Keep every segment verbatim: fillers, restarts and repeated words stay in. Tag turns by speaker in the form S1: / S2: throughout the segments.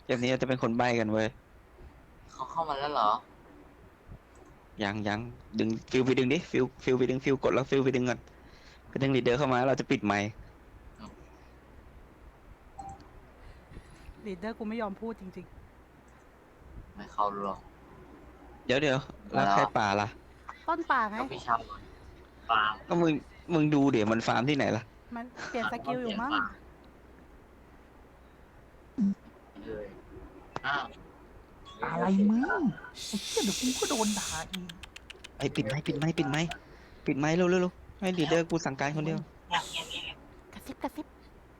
S1: เกมนี้เราจะเป็นคนใบ้กันเว้ย
S2: เขาเข้ามาแล้วเหรอ
S1: ยังยังดึงฟิลไปดึงดิฟิลฟิลไปดึงฟิลกดแล้วฟิลไปดึงก่อนไปดึงลีดเดอร์เข้ามาเราจะปิดไมค์
S3: ลีดเดอร์กูไม่ยอมพูดจริง
S2: ไม่เข้าหรอก
S1: เดี๋ยวเดี๋ยว
S2: มาแล้ว
S1: แล้วใครป่าล่ะ
S3: ๆต้นป่าไง
S2: ก็พี่ชาวฟาร์ม
S1: ก็มึงมึงดูเดี๋ยวมันฟาร์มที่ไหนล่ะ
S3: มันเปลี่ยนสกิลอยู่มั้ง
S2: เลยอ้าว
S4: อะไรมึงไอ้เหี้ยเดี๋ยวกูก็โดนด่าอีก
S1: ไอ้ปิดไมค์ปิดไมค์ปิดไมค์ปิดไมค์เร็วเร็วเร็วให้ลีดเดอร์กูสั่งการคนเดียว
S3: กระซิบกระซิบ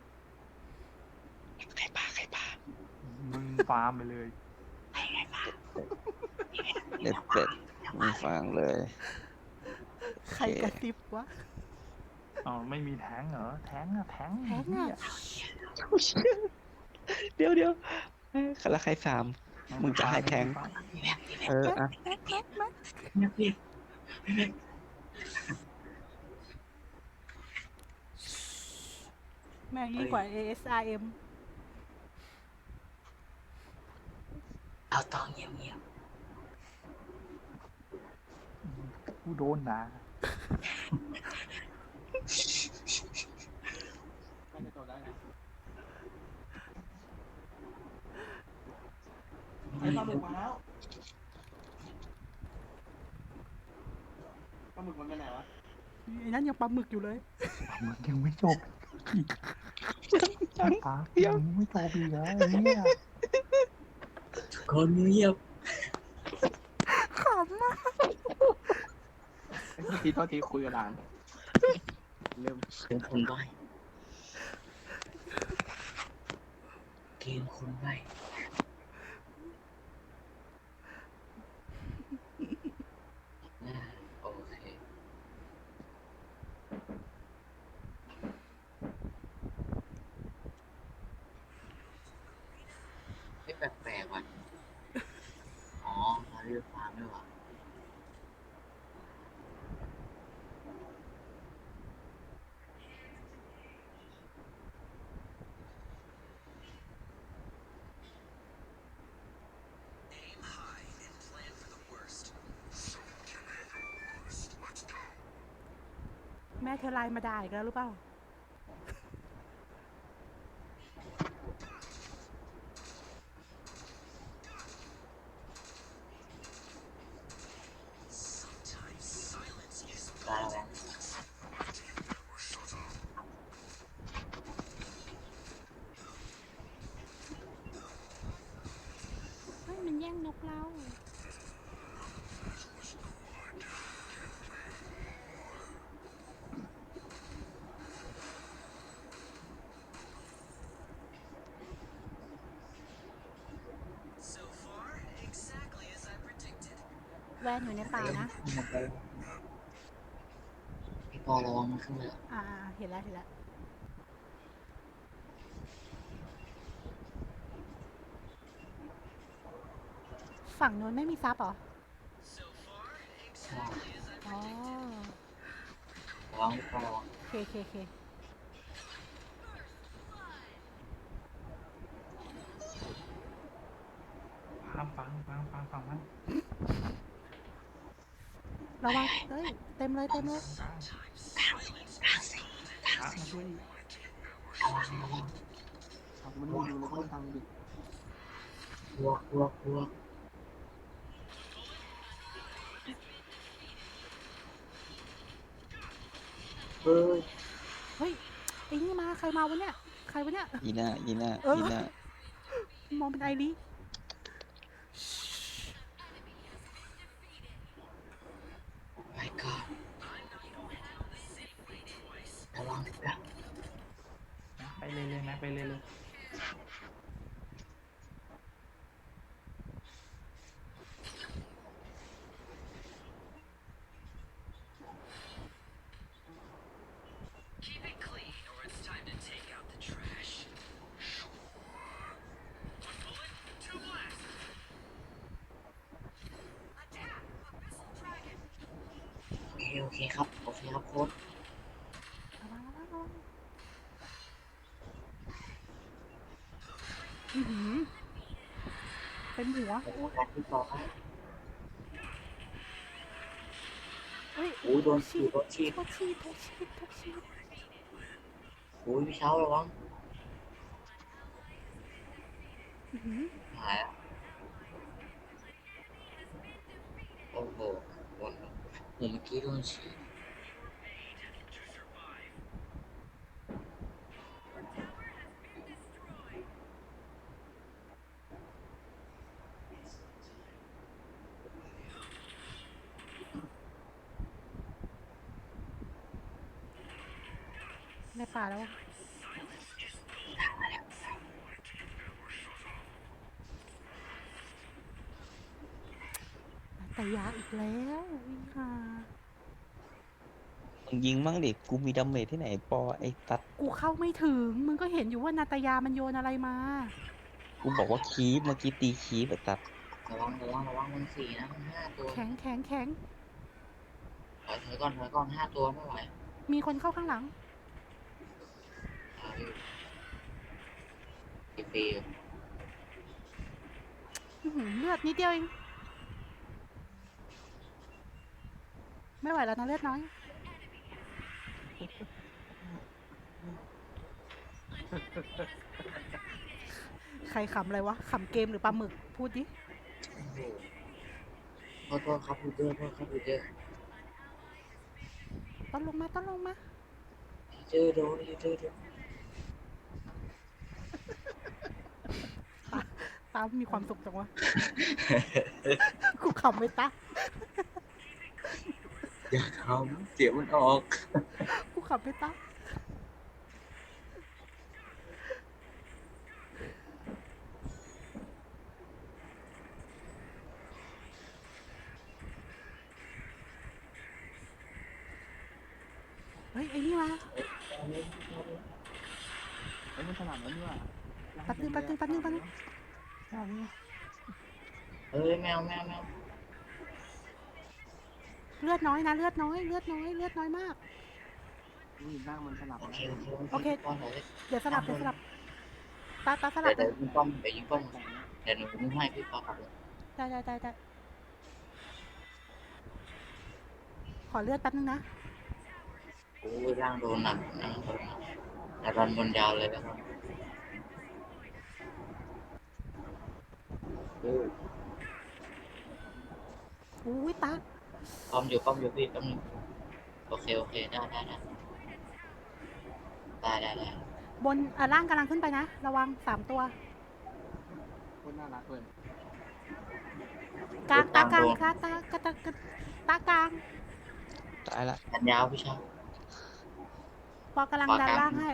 S1: ใครป่าใครป่า
S4: มึงฟาร์มไปเลย
S1: เด็ดเด็ดไม่ฟังเลย
S3: ใครกระซิบวะ
S4: อ๋อไม่มีแทงเหรอแทงอะแทง
S3: แทงอะ
S1: เดี๋ยวเดี๋ยวแล้วใครสามมึงจะให้แทงเอออ่ะ
S3: แม็กแม็กแม็ก
S2: เนี่ยพี่
S3: แม่งยิ่งกว่า เอ เอส อาร์ เอ็ม
S2: เอาตองเงียบเงียบ
S4: กูโดนด่า
S5: ไอ้ปลาหมึกมาแล้วปลาหมึกมันไปไหนวะ
S3: ไอ้นั่นยังปลาหมึกอยู่เลย
S4: มึงยังไม่จบปากยังไม่จบอีกเหรอไอ้เนี่ย
S2: คนเงียบ
S3: ขำมาก
S5: ทีโทษทีคุยกับหลานเริ่ม
S2: เกมคนใบเกมคนใบโอเคไม่แปลกๆว่ะอ๋อมาเรียกฟาร์มด้วยว่ะ
S3: แม่เธอไลน์มาด่าอีกแล้วหรือเปล่า
S2: ได้แล้ว
S3: เฮ้ยมันแย่งนกเราแวนอยู่ในป่านะ
S2: พี่ปอระวังมันขึ้นมา
S3: อ่าเห็นแล้วเห็นแล้วฝั่งโน้นไม่มีซับเหรออ๋อ
S2: ระวังพี่ปอระวัง
S3: เคเคเค
S4: ฟังฟังฟังฟังฟังมัน
S3: ระวังเฮ้ยเต็มเลยเต็มเลย
S4: พระมาช่วย
S5: เอามันไม่อยู่เลยก็ทางดิ
S2: บวกบวกบวกเฮ้ย
S3: เฮ้ยไอ้นี่มาใครมาวะเนี่ยใครวะเนี่ย
S1: ยีน่ายีน่า
S3: เออ
S1: ยีน่าม
S3: องเป็นไอรี
S2: ไปก่อนระวังพี่แป๊บ
S4: ไปเลยเลยนะไปเลยเลย
S2: โอเคโอเคครับโอเคครับโค้ด
S3: ระวังระวังระวังอื้อหือเต็มหัว
S2: แต่การที่ต่อให้
S3: เฮ้ย
S2: โอ้ยโดนฉีดโดนฉีด
S3: ทุกชีดทุกชีดทุกชีด
S2: โอ้ยพี่เช้าระวัง
S3: อื้อหือ
S2: หายแล้วโอ้โหโดนเมื่อกี้โดนฉีด
S3: ในป่าแล้วอะแต่ยาอีกแล้วอีห่า
S1: มึงยิงมั่งดิกูมีดาเมจที่ไหนปอไอ้ตัด
S3: กูเข้าไม่ถึง มึงก็เห็นอยู่ว่านาตายามันโยนอะไรมา
S1: กูบอกว่าคีบเมื่อกี้ตีคีบไอ้ตัด
S2: ระวังระวังระวังมันสี่นะมันห้าตัว
S3: แข็งแข็งแข็ง
S2: ถอยถอยก่อนถอยก่อนห้าตัวไม่ไหว
S3: มีคนเข้าข้างหลัง
S2: เอาอยู่ฟรี
S3: อื้อหือเลือดนิดเดียวเอง ไม่ไหวแล้วนะเลือดน้อย ใครขำอะไรวะ ขำเกมหรือปลาหมึก พูดดิ
S2: ขอโทษครับพูเตอร์ขอโทษครับพูเตอร์
S3: ต้นลงมา ต้นลงมา
S2: พีเตอร์โดนพีเตอร์โดน
S3: ตามีความสุขจังวะ กูขำไม่ตา
S2: อย่าทำเสียงมันออก
S3: กูขำไม่ตา เฮ้ย ไอ้นี่มา
S5: ไอ้มันสลับแล้วนี่ว่ะ
S3: แป๊บนึงแป๊บนึงแป๊บนึงแป๊บนึง
S5: เอาเนี่ย
S2: เอ้ยแมวแมวแมว
S3: เลือดน้อยนะ เลือดน้อย เลือดน้อย เลือดน้อยมาก
S5: นี่ร่างมันสลับ
S2: โอ
S5: แล้ว
S2: เคโอเค
S3: โอเค
S2: ป้อนหน่อยดิ
S3: เดี๋ยวสลับ เดี๋ยวสลับ ตาตาสลั
S2: เดี๋ย
S3: บ
S2: วเดี๋ยวยิงป้อมเดี๋ยวยิงป้อมเดี๋ยวหนูยิงให้พี่ป้อมครับ
S3: ได้ได้ได้ได้ขอเลือดแป๊บนึงนะ
S2: โอ้ยร่างโดนหนักนะโดนหนักแต่รันบนยาวเลยนะครับโอ้ย
S3: อุ้ยตา
S2: ป้อมอยู่ป้อมอยู่พี่ป้อมอยู่โอเคโอเคได้ได้ได้ได้ได้ได้
S3: บนอ่ะล่างกำลังขึ้นไปนะ ระวังสามตัว
S5: โคตรน่ารักเลย
S3: กลางตากลางค่ะตากระตากระตากลาง
S1: ตายละ
S2: รันยาวพี่ชาย
S3: ปอกำลังดันล่างให้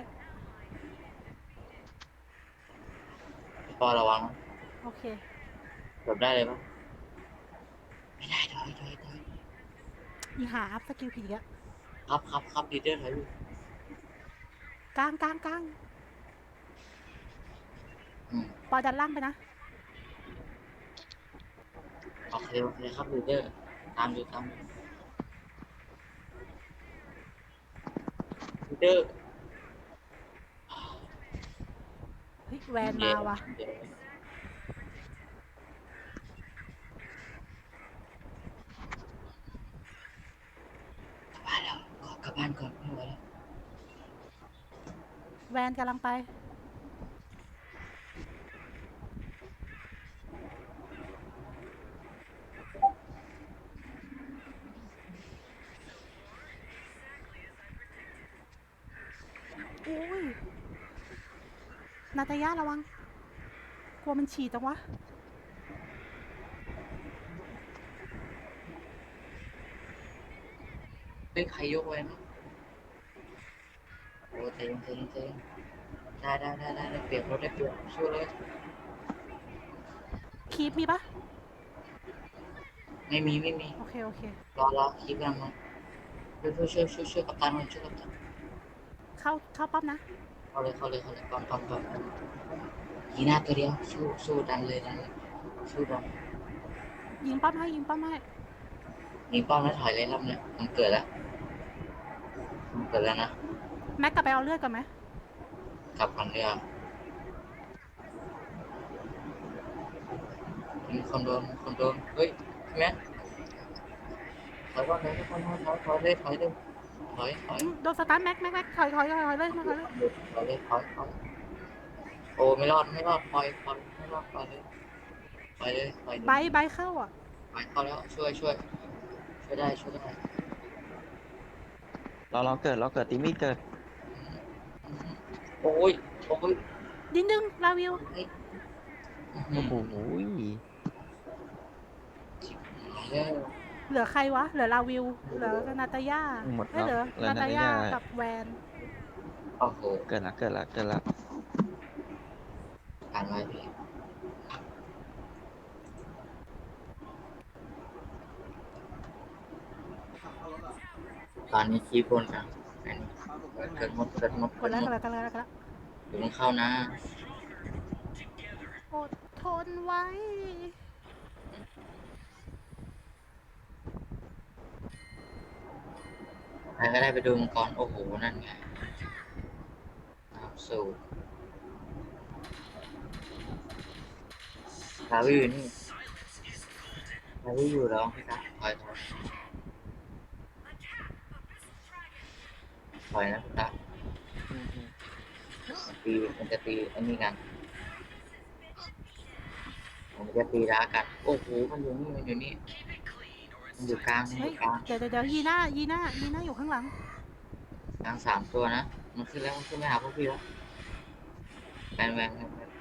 S2: พี่ปอระวังนะ
S3: โอเค
S2: หลบได้เลยปะไม่ได้ถอยถอยถอย
S3: อีหาอัพสกิลผีอะ
S2: ครับครับครับดีเดอร์ถอยอยู่
S3: กลางกลางกลาง
S2: อืม
S3: ปอดันล่างไปนะ
S2: โอเคโอเคครับดีเดอร์ตามอยู่ตามอยู่ดีเดอร์
S3: เฮ้ยแวนมาว่ะ
S2: เดี๋ยวกลับบ้านแล้วขอกลับบ้านก่อนไม่ไหวแล้ว
S3: แวนกำลังไป โอ้ย นาตายาระวัง กลัวมันฉี่จังวะ
S2: เฮ้ยใครยกไว้นะโอ้เต็งเต็งเต็งได้ได้ได้ได้ได้เปลี่ยนรถได้เปลี่ยนสู้เลย
S3: คีปมีปะ
S2: ไม่มีไม่มี
S3: โอเค โอเค
S2: รอรอคีบกันมาช่วยช่วยช่วยช่วยช่วยกัปตันหน่อยช่วยกัปตัน
S3: เข้า เข้าปั๊บนะ
S2: เข้าเลยเข้าเลยเข้าเลยปั๊มปั๊มปั๊มยีหน้าตัวเดียวสู้สู้ดันเลยดันเลยสู้ดัน
S3: ยิงป้อมให้ ยิงป้อมให้
S2: มีป้อมแล้วถอยเลยรอบเนี้ยมันเกิดแล้วมันเกิดแล้วนะ
S3: แม็กกลับไปเอาเลือดก่อนไหม
S2: กลับก่อนเรือมีคนโดนมีคนโดนเฮ้ยแม็กถอยก่อนถอยก่อนถอยถอยถอยเลยถอยเลยถอยถอย
S3: อืมโดนสตาร์ทแม็กแม็กแม็กถอยถอยถอยถอยเลยถอยเลย
S2: ถอยเลยถอยถอยโอ้ไม่รอดไม่รอดปล่อยปล่อยไม่รอดปล่อยเลยปล่อยเลยปล่อยเลย
S3: ใบใบเข้าอ่ะ
S2: ปล่อยเข้าแล้วช่วยช่วยช่วยได้ช่วยได้
S1: เราเราเกิดเราเกิดตีมีเกิด
S2: โอ้ยโอ้ย
S3: ดินดึงลาวิว
S1: โอ้โห
S2: แล้ว
S3: เหลือใครวะ เหลือลาวิว เหลือนาตาย่า
S1: หมด
S3: ไม่
S1: แล้ว
S3: เหลือ
S1: เหลือ
S3: นา
S1: นา
S3: ตา
S1: ตา
S3: ย่า
S1: ย่า
S3: กับแวน
S2: โอ้โห
S1: เกิดละเกิดละเกิดละ
S2: การไว้พี่ตอนนี้คีบบนกันเกิดหมดเกิดหมด
S3: ก
S2: เกิ
S3: ด
S2: ด
S3: แล้ว
S2: หม
S3: ก
S2: ด
S3: ดแล้วกดแล้วกดแล้ว
S2: เดี๋ยวมันเข้านะ
S3: อดทนไว้
S2: ใครก็ได้ไปดูมังกรโอ้โหนั่นไงน้ำสูบลาวิวอยู่นี่ลาวิวอยู่แล้วพี่ตาถอยถอยถอยนะพี่ตา
S5: อืมอืม
S2: ตีมันจะตีอันนี้กันมันจะตีร้ากันโอ้โหมันอยู่นี่มันอยู่นี่มันอยู่กลางมันอ
S3: เฮ้ย
S2: ยู่กลาง
S3: เดี๋ยวเดี๋ยวเดี๋ยวยีน่ายีน่ายีน่าอยู่ข้างหลัง
S2: กลางสามตัวนะมันขึ้นแล้วมันขึ้นไม่หาพวกพี่แล้วแวนแวนแวนแวน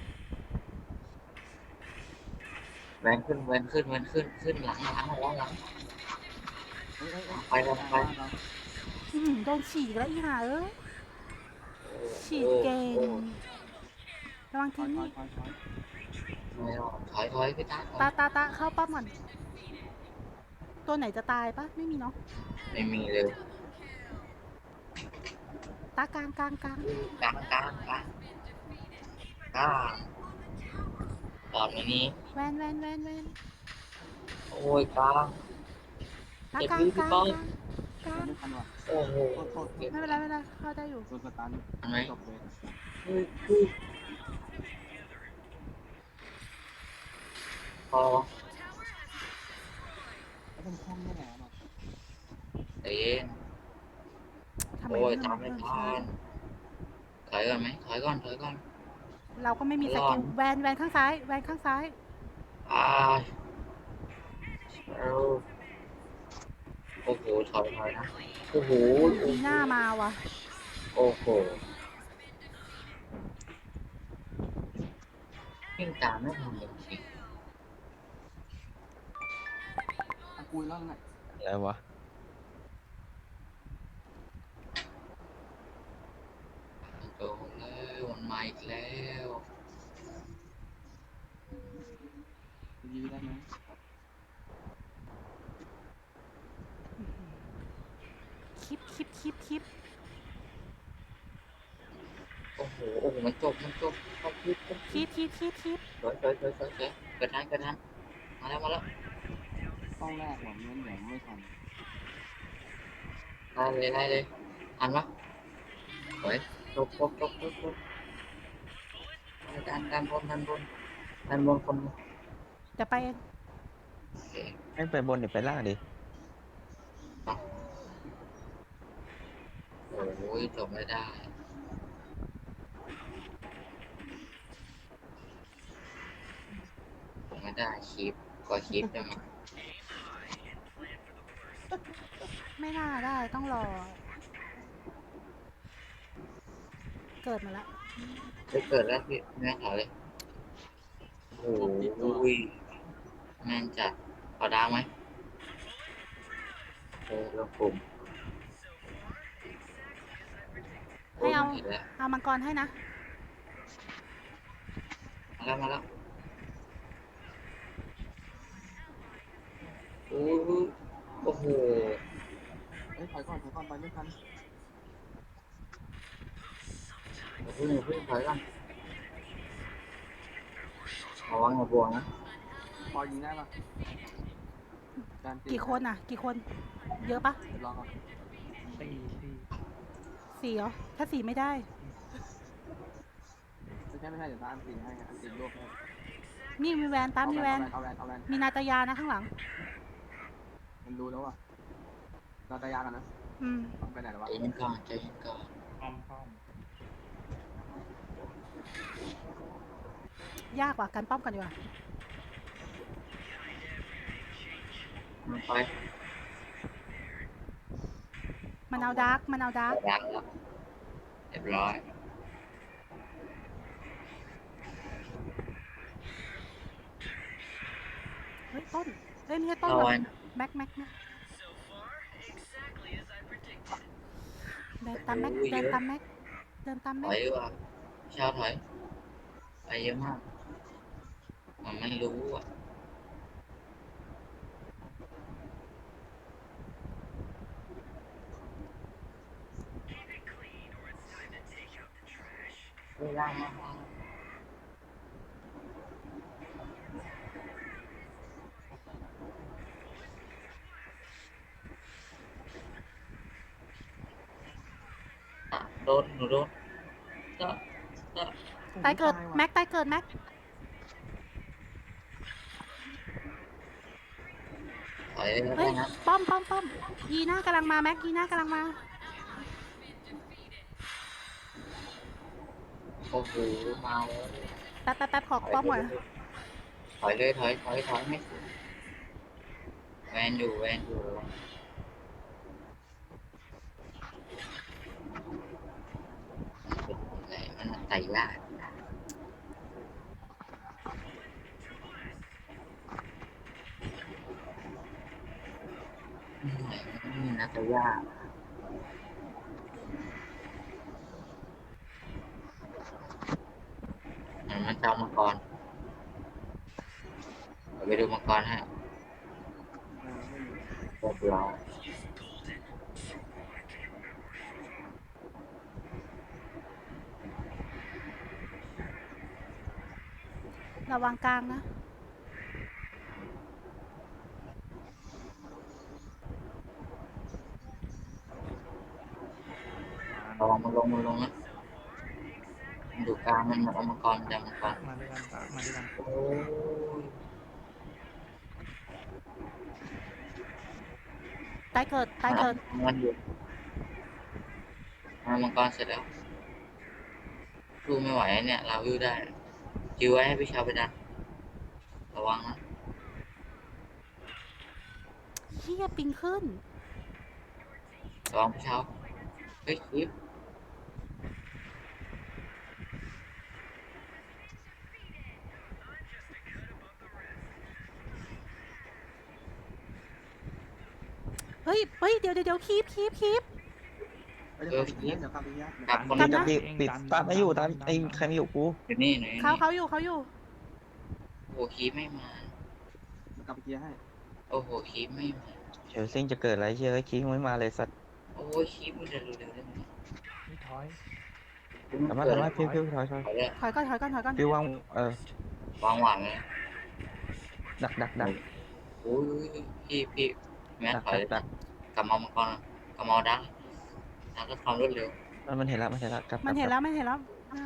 S2: แวนขึ้นแวนขึ้นแวนขึ้นขึ้นหลังหลังหลังหลัง
S5: เอ้ยเอ้ยเอ้ย
S2: ไปแล้วไป
S5: เรา
S3: อืมโดนฉีกแล้วอีห่าเอ้ยฉีกเก่ง ระวัง
S5: ถอ
S3: ทิ้
S5: ย
S3: ง
S5: ถอ
S3: นี่
S5: ยถอยถอย
S2: ไม่รอดถอยถอยพี่ตาถอย
S3: ตาตาตาเข้าป้อมก่อน ตัวไหนจะตายปะไม่มีเนาะ
S2: ไม่มีเลย
S3: ตากลางกลางกลาง
S2: กลางกลางกลางกลางตอนนี้
S3: แวนแวนแวนแวน
S2: โอ้ยกลาง
S3: ตากลางกลางกลางกลาง
S5: ไม่ทันว่ะ
S2: โอ้โห
S5: โทษโทษ
S2: เก็บ
S3: ไม่เป็นไรไม่เป็นไรเข้าได้อยู่
S5: โดนสตัน
S2: อันไหน
S5: จบเลย
S2: เฮ้ยเฮ้ยพอ
S5: ไม่ต้องคล่องแน่หรอก
S2: ใจเย็น
S3: ทำไม
S2: โอ้ย
S3: เรื่อง
S2: ตาม
S3: มัน
S2: ไม่
S3: เริ่ม
S2: ทั
S3: ช้าน
S2: ถอยก่อนไหมถอยก่อนถอยก่อน
S3: เราก็ไม่มีส
S2: รอ
S3: กิ
S2: ด
S3: ลแวนแวนข้างซ้ายแวนข้างซ้าย
S2: อ่าเอาโอ้โหถอยถอยนะโอ้โห
S3: มีหน้ามาว่ะ
S2: โอ้โหวิ่งตามไม่ทันจริง
S5: อากุยแล้วไง
S1: อะไรวะ
S2: ๆโดนแล้วมันมาอีกแล้ว
S5: ยื้อได้ไหม
S3: คลิปคลิปคลิปคลิป
S2: โอ้โหโอ้โหมันจบมันจบต้องคิดต้อง
S3: คลิปคลิปคลิปคลิป
S2: ถอยถอยถอยถอยถอยกระทันกระทันมาแล้วมาแล้ว
S5: ต้องแรกหวังเงินเดี๋ยวไม่ทัน
S2: ได้เลยได้เลยทันปะถอยจบจบจบจบจบดันดันบนดันบนดันบนคน
S3: เดี๋ยวไปเอง
S2: โอเค
S1: ไม่ไปบนเดี๋ยวไปล่างดิ
S2: โอ้ยจบไม่ได้จบไม่ได้คีบก็คีบได้ไหม
S3: ไม่น่าได้ต้องรอ เกิดมาแล้ว
S2: จะเกิดแล้วพี่แม่ถอยเลยโอ้ยแม่งจัดขอดาวไหมเออลงกลุ่ม
S3: ให้เอา
S2: ห็นแล้ว
S3: เอามังกรให้นะ
S2: มาแล้วมาแล้วโอ้ยโอ้โห
S5: เอ้ยถอยก่อนถอยก่อนไปไม่ทัน
S2: เพิ่งเพิ่งถอยก่อนระวังอย่าบวกนะ
S5: ปอยิงได้ปะการตี
S3: กี่คนอ่ะ กี่คน เยอะปะ
S5: รอก่อน
S4: ตีตี
S3: สี่เหรอ ถ้าสี่ไม่ได้
S5: ไม่ใช่ไม่ใช่เดี๋ยวตาอันตีให้อันตีรวบให้
S3: นี่มีแวนตาม
S5: เอา
S3: มี
S5: แว
S3: แวน น
S5: เอาแวนเอาแวน
S3: มีนาตายานะข้างหลัง
S5: มันรู้แล้วอ่ะเราตายากันนะ
S3: อืม
S5: ไปไหนแล้ววะ
S2: ใจเย็นก่อนใจเย็นก่อน
S4: อ้อมป้อม
S3: ยากกว่าการป้อมกันดีกว่า
S2: มันไป
S3: มันเอาดาร์กมันเอาดาร์ก
S2: ดังแล้วเรียบร้อย
S3: เฮ้ยต้นเฮ้ยไม่ใช่ต้น
S2: เอา
S3: ว่ะ
S2: ไว้
S3: แม็กแม็กแม็กเดินตามแม็กเดินตามแม็กเดินตาม
S2: ถ
S3: แม็
S2: อก ยดีกว่าเช้าถอยไปเยอะมากมันไม่รู้อ่ะเวลามากโดนหนูโดนก็ก็
S3: ตายเกิด
S4: ว่ะ
S3: แม็กตายเกิดแม็ก
S2: ถอยแล้ว
S3: เฮ้ย
S2: นะ
S3: ป้อมป้อมป้อมยีน่ากำลังมาแม็กยีน่ากำลังมา
S2: โอ้โหมาแล้ว
S3: แป๊บแป๊บแป๊บขอป้อมก่อน
S2: ถอยเลยถอยถอยถอยไม่แวนอยู่แวนอยู่อะไรมันไต่ยากนี่นะไต่ยากมันมันจะเอามังกรไปดูมังกรฮะ
S5: เออไม่มี
S2: เรียบร้อย
S3: ระวังกลางนะ
S2: ระวังมันลงมันลงนะมันอยู่กลางมันเอามังกรจะมังกร
S4: มาด้วยกันปะมาด้วยกัน
S2: โอ้ย
S3: ตายเกิดตายเกิด
S2: มันอยู่เอามังกรเสร็จแล้วดูไม่ไหวเนี่ยเราวิวได้จิวไว้ให้พี่ชาวไปดันระวังนะ
S3: เฮียปิงขึ้น
S2: ระวังพี่ชาวเฮ้ยคลิป
S3: เฮ้ยเฮ้ยเดี๋ยวเดี๋ยวเดี๋ยวคีบคีบคีบ
S5: ไปเดี๋ยวกลับอีกเดี๋ยวกลับอีกเดี๋ยว
S2: กลับคน
S3: กลั
S2: นี้
S3: บ
S1: จับ
S3: นะ
S1: ดิปิดตามไม่อยู่ตามไอ้ใครไม่อยู่กู
S2: อยู่นี่หน่อย
S3: เขาเขาอยู่เขาอยู่
S2: โอ้โหคลิปไม่มา
S5: เดี๋ยวกลับอีกเดี๋ยวให้
S2: โอ้โหคลิปไม่มา
S1: เชลซิงจะเกิดอะไรเชื่อคิงไม่มาเลยสัตว์
S2: โอ้ยคลิปมันจะเร็วๆได้ไหม
S4: นี่ถอย
S1: สามารถสามารถฟิวฟิวถอยถอย
S2: ถอยเลย
S3: ถอยก่อนถอยก่อนถอยก่อน
S1: ฟิววางเออ
S2: วางหวางเลย
S1: ดักดักดัก
S2: โอ้ยพี่พี่แม่
S1: ดัก
S2: ถอย
S1: ดักดัก
S2: กลับมามังกรกลับมาดังดังก็ความรวดเร็ว
S1: มันมันเห็นแล้วมันเห็นแล้วกลับ
S3: มันเห็นแล้วมันเห็นแล้วอ่า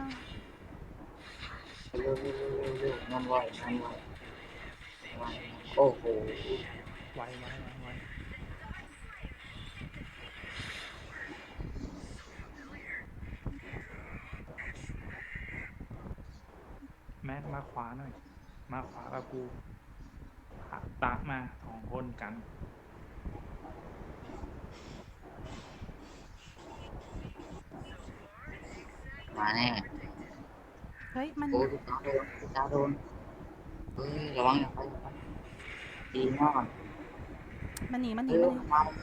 S2: เร็วเร็วเร็วเร็วเร็วนั่นไหวนั่นไหวไหวโอ้โห
S4: ไวไวไวไวแม็กมาขวาหน่อย มาขวากับกูหักตากมาสองคนกัน
S2: มาแน่
S3: เฮ้ยมัน
S2: โอ้ยตาโดนตาโดนเฮ้ยระวังอย่าไปดีมาก
S3: มันหนีมันหนี
S2: เร็
S3: มัน
S2: ว
S3: หนี
S2: มามา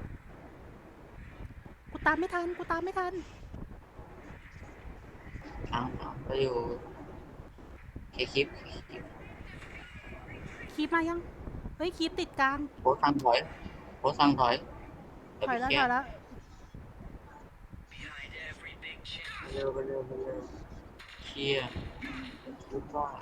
S3: กูตามไม่ทันกูตามไม่ทัน
S2: ทางไปอยู่เคคลิป
S3: คีบมายังเฮ้ยคีบติดกลาง
S2: โพสสั่งถอยโพสสั่งถอย
S3: ถอยแล้วถอยแล้ว
S2: เร็วไปเร็วไปเร็วเคลียร์คิดว่า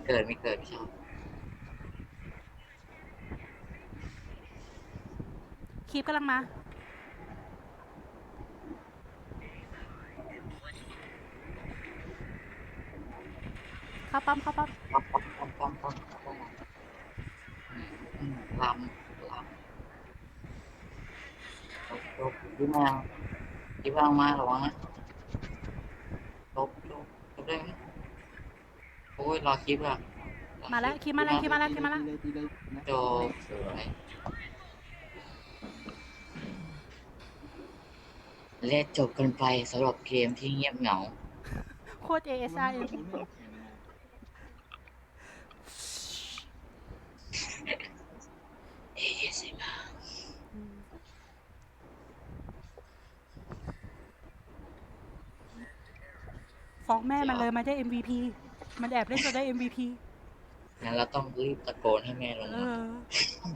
S2: เกิดไม่เกิดไม่ชอบ
S3: คีบกำลังมา เข้าปั๊มเข้าปั๊ม
S2: ปั๊มปั๊มปั๊มปั๊มปั๊มปั๊มอืมลำลำลบลบยิ้มมายิ้มมามาระวังนะลบลบลบได้ไหมโอ้ยรอคลิปอ่ะ
S3: มาแล้วคีบมาแล้วคีบมาแล้วคีบมาแล้ว
S5: ตีเลยตีเลยนะ
S2: โจสวยและจบกันไปสำหรับเกมที่เงียบเหงา
S3: โคตร เอ เอส อาร์ เอ็ม
S2: เอเอสเอ็มอาร์
S3: ฟ้องแม่มันเลยมันได้ เอ็ม วี พี มันแอบเล่นจนได้ เอ็ม วี พี
S2: งั้นเราต้องรีบตะโกนให้แม่ลง
S3: เอ
S2: มา
S3: อ